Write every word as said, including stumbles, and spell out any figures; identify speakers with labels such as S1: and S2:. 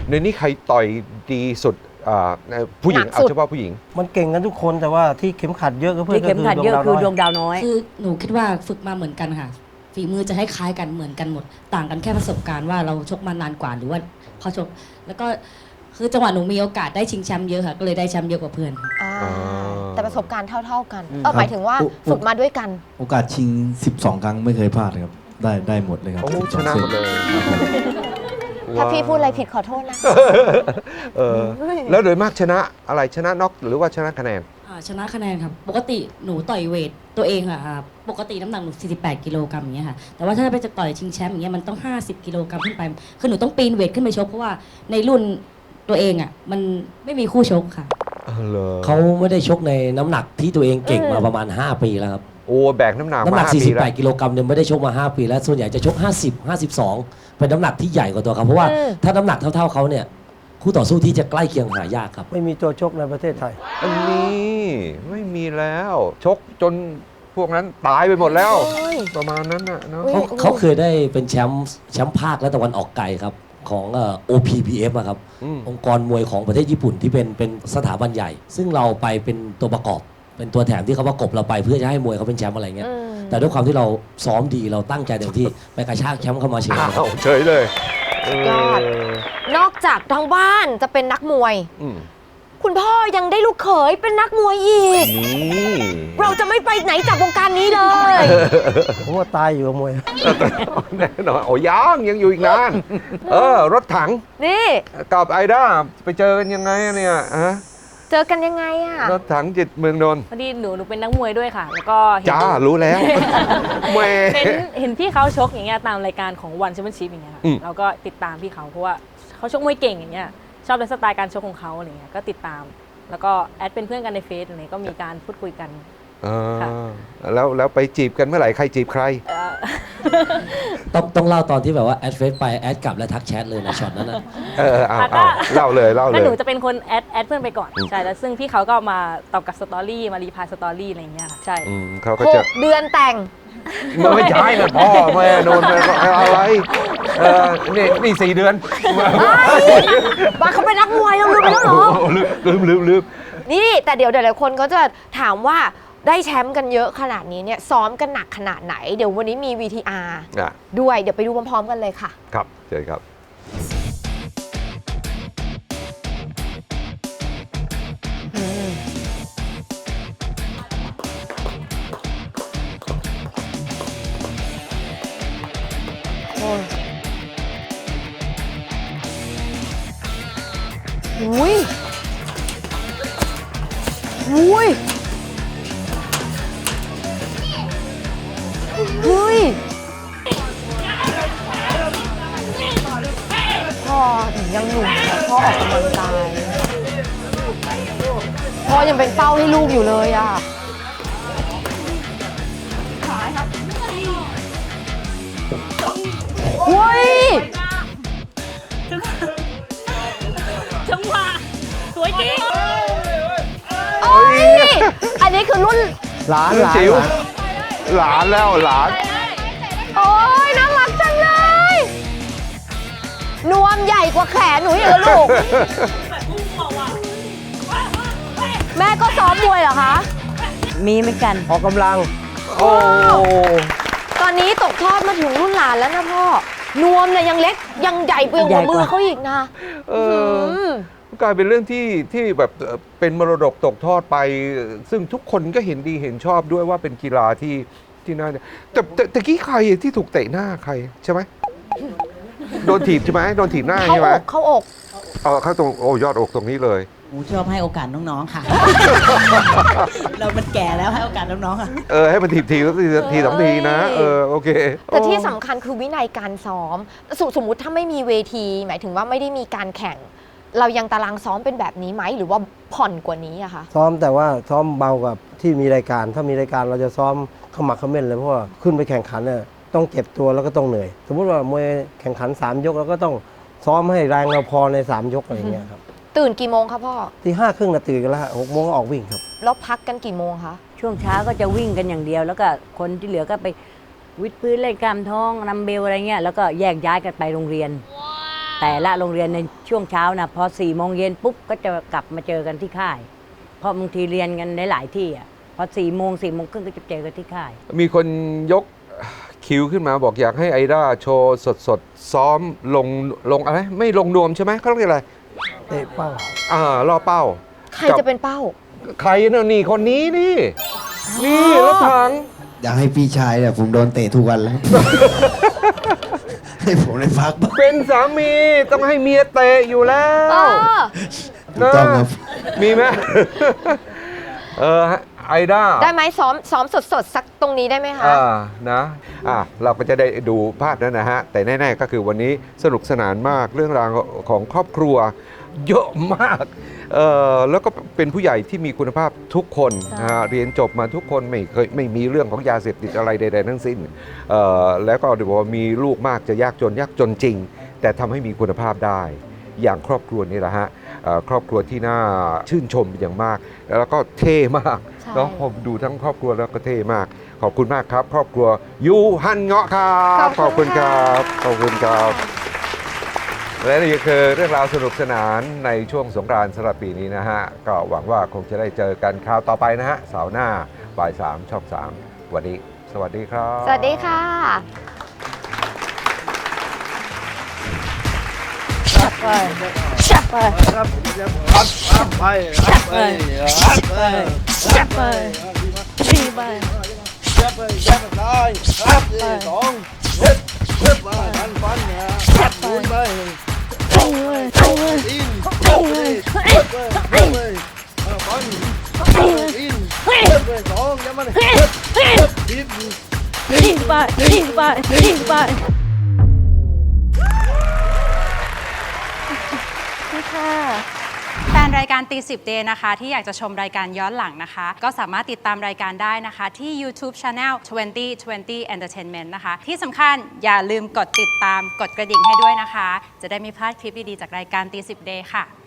S1: ในนี้ใครต่อยดีสุดผู้หญิงเอาเฉพาะผู้หญิง
S2: มันเก่งกันทุกคนแต่ว่าที่เข็มขัดเยอะก็เพื่อน
S3: ที่เข็มขัดเยอะคือดวงดาวน้อย
S4: คือหนูคิดว่าฝึกมาเหมือนกันค่ะฝีมือจะให้คล้ายกันเหมือนกันหมดต่างกันแค่ประสบการณ์ว่าเราชกมานานกว่าหรือว่าเขาชกแล้วก็คือจังหวะหนูมีโอกาสได้ชิงแชมป์เยอะค่ะก็เลยได้แชมป์เยอะกว่าเพื่อน
S5: แต่ประสบการณ์เท่าๆกันเออหมายถึงว่าฝึกมาด้วยกัน
S6: โอกาสชิงสิบสองครั้งไม่เคยพลาดเลยครับได้ได้หมดเลยครับ
S1: ชนะหมดเลย
S5: ถ้าพี่พูดอะไรผิดขอโทษนะ
S1: เออแล้วโดยมากชนะอะไรชนะน็อกหรือว่าชนะคะแนน
S4: ชนะคะแนนครับปกติหนูต่อยเวทตัวเองค่ะปกติน้ำหนักหนูสี่สิบแปดกิโลกรัมอย่างเงี้ยค่ะแต่ว่าถ้าไปจะต่อยชิงแชมป์อย่างเงี้ยมันต้องห้าสิบกิโลกรัมขึ้นไปคือหนูต้องปีนเวทขึ้นไปชกเพราะว่าในรุ่นตัวเองอ่ะมันไม่มีคู่ชกค่ะ
S2: เขาไม่ได้ชกในน้ำหนักที่ตัวเองเก่งมาประมาณห้าปีแล้วครับ
S1: โอ้แบกน้ำหนัก
S2: น้ำหนักสี่สิบแปดกิโลกรัมเนี่ยไม่ได้ชกมาห้าปีแล้วส่วนใหญ่จะชกห้าสิบ ห้าสิบสองเป็นน้ำหนักที่ใหญ่กว่าตัวเขาเพราะว่าถ้าน้ำหนักเท่าๆเขาเนี่ยคู่ต่อสู้ที่จะใกล้เคียงหายากครับไม่มีตัวชกในประเทศไทย
S1: อันนี้ไม่มีแล้วชกจนพวกนั้นตายไปหมดแล้วประมาณนั้นนะเนาะ
S2: เขาเขาเคยได้เป็นแชมป์แชมป์ภาคและตะวันออกไกลครับของ โอ พี พี เอฟ อะครับองค์กรมวยของประเทศญี่ปุ่นที่เป็นเป็นสถาบันใหญ่ ซึ่งเราไปเป็นตัวประกอบเป็นตัวแถมที่เขาประกบเราไปเพื่อจะให้มวยเขาเป็นแชมป์อะไรเงี้ยแต่ด้วยความที่เราซ้อมดีเราตั้งใจเต็มที่ไปกระชากแชมป์เข้ามาเฉย
S1: เฉยเลย
S5: ยอดนอกจากทางบ้านจะเป็นนักมวยคุณพ่อยังได้ลูกเขยเป็นนักมวยอีกเราจะไม่ไปไหนจากวงการนี้เลย
S2: ผมว่าตายอยู่กับมวย
S1: แน่นอนโอ้ยังยังอยู่อีกนานเออรถถัง
S5: นี่
S1: กับไอด้าไปเจอกันยังไงเนี่ยฮะ
S5: เจอกันยังไงอะ
S1: รถถังจิตเมืองนนท์
S3: พอดีหนูหนูเป็นนักมวยด้วยค่ะแล้วก็
S1: จ้ารู้แล้ว
S3: เห็นเห็นพี่เขาชกอย่างเงี้ยตามรายการของวันแชมเปี้ยนชิพอย่างเงี้ยเราก็ติดตามพี่เขาเพราะว่าเขาชกมวยเก่งอย่างเงี้ยชอบในสไตล์การชกของเขาอะไรเงี้ยก็ติดตามแล้วก็แอดเป็นเพื่อนกันในเฟซอะไรก็มีการพูดคุยกัน
S1: แล้วแล้วไปจีบกันเมื่อไหร่ใครจีบใคร
S2: ต้องต้องเล่าตอนที่แบบว่าแอดเฟซไปแอดกลับแล้วทักแชทเลยนะช็อตนั้นนะ
S1: เออเอาเล่าเลยเล่าเลย
S3: แล้วหนูจะเป็นคนแอดแอดเพื่อนไปก่อนใช่แล้วซึ่งพี่เขาก็มาตอบกับสตอรี่มารีพายสตอรี่อะไรเงี้ยใช่
S1: เขาก็จะ
S5: เดือนแต่ง
S1: ไม่ใช่นะพ่อแม่โดนอะไรเออนี่นี่สี่เดือน
S5: บ้าเขาเป็นนักมวยเราลืมไปแล้วเหรอ
S1: ลืมลืมลืม
S5: นี่แต่เดี๋ยวเดี๋ยวหลายคนก็จะถามว่าได้แชมป์กันเยอะขนาดนี้เนี่ยซ้อมกันหนักขนาดไหนเดี๋ยววันนี้มี วี ที อาร์ ด้วยเดี๋ยวไปดูพร้อมๆกันเลยค่ะ
S1: ครับเชิญครับ
S5: อุ้ยอุ้ยอุ้ยพ่อถึงยังหนุ่มนะพ่อออกกำลังกายพ่อยังเป็นเป้าให้ลูกอยู่เลยอ่ะอุ้ย
S3: จังหวะสวยจริง
S5: โอ้ยอันนี้คือรุ่น
S2: หลานหลาน
S1: หลานแล้วหลาน
S5: โอ้ยน่ารักจังเลยนวมใหญ่กว่าแขนหนูอีกแล้วลูกแม่ก็ซ้อมมวยเหรอคะ
S3: มีเหมือนกัน
S2: ออกกำลัง
S1: โอ้
S5: ตอนนี้ตกทอดมาถึงรุ่นหลานแล้วนะพ่อนวมเนี่ยยังเล็กยังใหญ่เปลือกหัวมือเขาอีกนะ
S1: เออกลายเป็นเรื่องที่ที่แบบเป็นมรดกตกทอดไปซึ่งทุกคนก็เห็นดีเห็นชอบด้วยว่าเป็นกีฬาที่ที่น่าแต่แต่ตะกี้ใครที่ถูกเตะหน้าใครใช่ไหมโดนถีบใช่ไหมโดนถีบหน้าใช่ไหม
S5: เข้าอก
S1: เออเข้าตรงโอ้ยอดอกตรงนี้เลย
S7: กูชอบให้โอกาสน้องๆค่ะเรามันแก่แล้วให้โอกาสน้องๆค่ะ
S1: เออให้มันถีบทีแล้วทีสองทีนะเออโอเค
S5: แต่ที่สำคัญคือวินัยการซ้อมสมมุติถ้าไม่มีเวทีหมายถึงว่าไม่ได้มีการแข่งเรายังตารางซ้อมเป็นแบบนี้ไหมหรือว่าผ่อนกว่านี้อะคะ
S2: ซ้อมแต่ว่าซ้อมเบากว่าที่มีรายการถ้ามีรายการเราจะซ้อมขมักเขม้นเลยเพราะว่าขึ้นไปแข่งขันเนี่ยต้องเก็บตัวแล้วก็ต้องเหนื่อยสมมุติว่ามวยแข่งขันสามยกเราก็ต้องซ้อมให้แรงเราพอในสามยกอะไรอย่างเงี้ยครับ
S5: ตื่นกี่โมงครับพ่อ
S2: ที่ห้าครึ่งนะตื่นกันแล้วหกโมงก็ออกวิ่งครับ
S5: แล้วพักกันกี่โมงคะ
S3: ช่วงเช้าก็จะวิ่งกันอย่างเดียวแล้วก็คนที่เหลือก็ไปวิดพื้นเล่นกล้ามท้องนัมเบลอะไรเงี้ยแล้วก็แยกย้ายกันไปโรงเรียน
S8: แต่ละโรงเรียนในช่วงเช้านะพอสี่โมงเย็นปุ๊บก็จะกลับมาเจอกันที่ค่ายเพราะบางทีเรียนกันหลายๆที่อ่ะพอสี่โมงสี่โมงครึ่งก็จะเจอกันที่ค่าย
S1: มีคนยกคิวขึ้นมาบอกอยากให้ไอด้าโชว์สดสดๆซ้อมลงลงอะไรไม่ลงนวมใช่ไหมเขาเรียกอะไรเตะเป้าอ่าล่อเป้า
S5: ใครจะเป็นเป้า
S1: ใครเนอะนี่คนนี้นี่ นี่รถถัง
S9: อยากให้พี่ชายเนี่ยผมโดนเตะทุกวันแล้ว ให้ผมได้พักบ้าง
S1: เป็นสามีต้องให้เมียเตะอยู่แล้
S5: เอ
S1: ว
S5: อ
S9: ถูกต้องครับ
S1: มีไหม เออไอด้า
S5: ได้ไหมซ้อมซ้อมสดๆ สักตรงนี้ได้ไหมคะ
S1: อ่านะอ่ะเราก็จะได้ดูภาพนั้นนะฮะ แต่แน่ๆก็คือวันนี้สนุกสนานมากเรื่องราวของครอบครัวเยอะมากเออแล้วก็เป็นผู้ใหญ่ที่มีคุณภาพทุกคนนะฮะเรียนจบมาทุกคนไม่เคยไม่มีเรื่องของยาเสพติดอะไรใดๆทั้งสิ้นเออแล้วก็เดี๋ยวบอกว่ามีลูกมากจะยากจนยากจนจริง แต่ทำให้มีคุณภาพได้อย่างครอบครัวนี่แหละฮะเอ่อครอบครัวที่น่าชื่นชมเป็นอย่างมาก แล้วก็เท่มาก
S5: ใช่
S1: เนาะผมดูทั้งครอบครัวแล้วก็เท่มาก ขอบคุณมากครับ ครอบครัวยูฮันเงาะครับขอบคุณครับขอบคุณครับและนี่คือเรื่องราวสนุกสนานในช่วงสงกรานต์สำหรับปีนี้นะฮะ ก็หวังว่าคงจะได้เจอกันคราวต่อไปนะฮะเสาร์หน้าบ่ายสามช่องสามวันนี้สวัสดีครับ
S5: สวัสดีค่ะ
S3: ไปชับไปชับไปชับไปชับไปชี้ไปชับไปชับไปชับไปสองชับไปฟันฟันชับไปไปไปเลยไปเลยไปเลยไปเลยฟันอินไปสองยังมันชี้ไปชี้ไปชี้ไป
S10: แฟนรายการตีสิบเดย์นะคะที่อยากจะชมรายการย้อนหลังนะคะ ก็สามารถติดตามรายการได้นะคะ ที่ YouTube Channel ยี่สิบ ยี่สิบ Entertainment นะคะ ที่สำคัญอย่าลืมกดติดตามกดกระดิ่งให้ด้วยนะคะ จะได้ไม่พลาดคลิปดี ๆ จากรายการตีสิบเดย์ค่ะ